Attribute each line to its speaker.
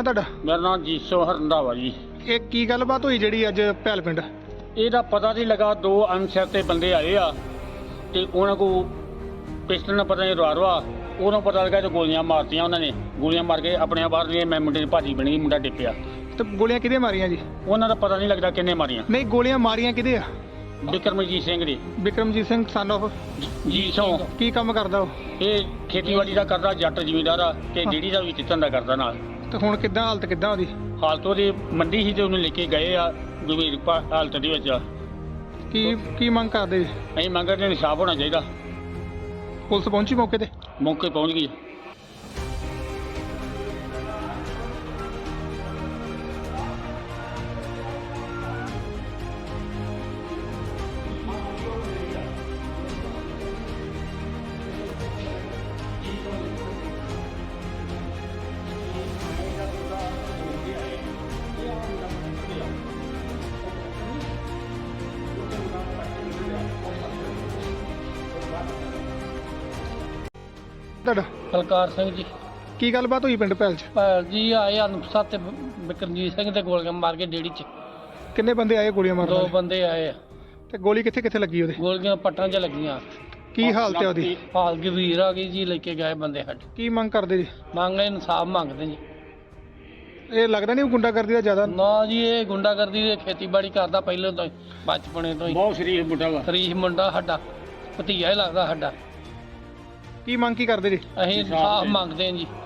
Speaker 1: ਨਾਂ ਤੁਹਾਡਾ?
Speaker 2: ਮੇਰਾ ਨਾਮ ਜੀਸੋ ਹਰੰਦਾਵਾ ਜੀ।
Speaker 1: ਇਹ ਕੀ ਗੱਲਬਾਤ ਹੋਈ ਜਿਹੜੀ ਅੱਜ ਭੈਲ ਪਿੰਡ?
Speaker 2: ਇਹਦਾ ਪਤਾ ਨਹੀਂ ਲੱਗਾ, ਦੋ ਅਣਛਾਤੇ ਬੰਦੇ ਆਏ ਆ ਤੇ ਉਹਨਾਂ ਕੋ ਪਿਸਟਲ ਨਾਲ ਪਤਾ ਨਹੀਂ ਰਵਾ ਉਹਨਾਂ ਪਤਾ ਲੱਗਾ ਤੇ ਗੋਲੀਆਂ ਮਾਰਤੀਆਂ। ਉਹਨਾਂ ਨੇ ਗੋਲੀਆਂ ਮਾਰ ਕੇ ਆਪਣੇ ਬਾਹਰ ਨੇ, ਮੈਂ ਮੁੰਡੇ ਦੀ ਭਾਜੀ ਬਣੀ, ਮੁੰਡਾ ਡਿੱਪਿਆ।
Speaker 1: ਤੇ ਗੋਲੀਆਂ ਕਿਹਦੇ ਮਾਰੀਆਂ ਜੀ?
Speaker 2: ਉਹਨਾਂ ਦਾ ਪਤਾ ਨਹੀਂ ਲੱਗਦਾ ਕਿੰਨੇ ਮਾਰੀਆਂ।
Speaker 1: ਨਹੀਂ, ਗੋਲੀਆਂ ਮਾਰੀਆਂ ਕਿਹਦੇ ਆ?
Speaker 2: ਬਿਕਰਮਜੀਤ ਸਿੰਘ ਦੀ।
Speaker 1: ਬਿਕਰਮਜੀਤ ਸਿੰਘ ਸਨ ਆਫ
Speaker 2: ਜੀਸੋ।
Speaker 1: ਕੀ ਕੰਮ ਕਰਦਾ ਉਹ?
Speaker 2: ਇਹ ਖੇਤੀਬਾੜੀ ਦਾ ਕਰਦਾ, ਜੱਟ ਜ਼ਿਮੀਂਦਾਰ ਆ ਤੇ ਡੇਅਰੀ ਦਾ ਵੀ ਧੰਦਾ ਕਰਦਾ ਨਾਲ।
Speaker 1: ਤੇ ਹੁਣ ਕਿੱਦਾਂ ਹਾਲਤ ਕਿੱਦਾਂ ਉਹਦੀ?
Speaker 2: ਹਾਲਤ ਉਹਦੀ ਮੰਡੀ ਸੀ ਤੇ ਉਹਨੂੰ ਲੈ ਕੇ ਗਏ ਆ ਗੰਭੀਰ ਹਾਲਤ ਦੇ ਵਿੱਚ।
Speaker 1: ਕੀ ਮੰਗ ਕਰਦੇ ਜੀ?
Speaker 2: ਅਸੀਂ ਮੰਗਦੇ ਇਨਸਾਫ ਹੋਣਾ ਚਾਹੀਦਾ।
Speaker 1: ਪੁਲਿਸ ਪਹੁੰਚੀ ਮੌਕੇ ਤੇ?
Speaker 2: ਮੌਕੇ ਪਹੁੰਚ ਗਈ।
Speaker 1: ਤੁਹਾਡਾ?
Speaker 3: ਬਲਕਾਰ ਸਿੰਘ ਜੀ।
Speaker 1: ਕੀ ਗੱਲਬਾਤ ਹੋਈ ਪਿੰਡ ਭੈਲ 'ਚ?
Speaker 3: ਭਾਲ ਜੀ ਆਏ ਅਨੁਪਸਾ ਤੇ ਬਿਕਰਮਜੀਤ ਸਿੰਘ ਤੇ ਗੋਲੀਆਂ ਮਾਰ ਕੇ ਡੇੜੀ 'ਚ।
Speaker 1: ਕਿੰਨੇ ਬੰਦੇ ਆਏ ਗੋਲੀਆਂ ਮਾਰਨ
Speaker 3: ਦੋ
Speaker 1: ਵਾਲੇ?
Speaker 3: ਬੰਦੇ ਆਏ ਆ।
Speaker 1: ਤੇ ਗੋਲੀ ਕਿੱਥੇ ਕਿੱਥੇ ਲੱਗੀ ਉਹਦੇ?
Speaker 3: ਗੋਲੀਆਂ ਪੱਟਾਂ 'ਚ ਲੱਗੀਆਂ।
Speaker 1: ਕੀ ਹਾਲਤ ਹੈ ਉਹਦੀ?
Speaker 3: ਹਾਲ ਗੰਭੀਰ ਆ ਗਈ ਜੀ, ਲੈ ਕੇ ਗਏ ਬੰਦੇ ਸਾਡੇ।
Speaker 1: ਕੀ ਮੰਗ ਕਰਦੇ ਜੀ?
Speaker 3: ਮੰਗਦੇ ਇਨਸਾਫ ਮੰਗਦੇ ਜੀ।
Speaker 1: ਇਹ ਲੱਗਦਾ ਨਹੀਂ ਉਹ ਗੁੰਡਾਗਰਦੀ ਦਾ ਜ਼ਿਆਦਾ?
Speaker 3: ਨਾ ਜੀ, ਇਹ ਗੁੰਡਾਗਰਦੀ ਦੇ ਖੇਤੀਬਾੜੀ ਕਰਦਾ ਪਹਿਲਾਂ ਤੋਂ ਹੀ, ਬਚਪਨੇ ਤੋਂ ਹੀ।
Speaker 2: ਬਹੁਤ ਸ਼ਰੀਫ ਮੁੰਡਾ ਵਾ।
Speaker 3: ਸ਼ਰੀਫ ਮੁੰਡਾ ਸਾਡਾ, ਭਤੀਜਾ ਹੀ ਲੱਗਦਾ ਸਾਡਾ।
Speaker 1: ਕੀ ਮੰਗ ਕੀ ਕਰਦੇ ਜੀ?
Speaker 3: ਅਸੀਂ ਇਨਸਾਫ ਮੰਗਦੇ ਹਾਂ ਜੀ।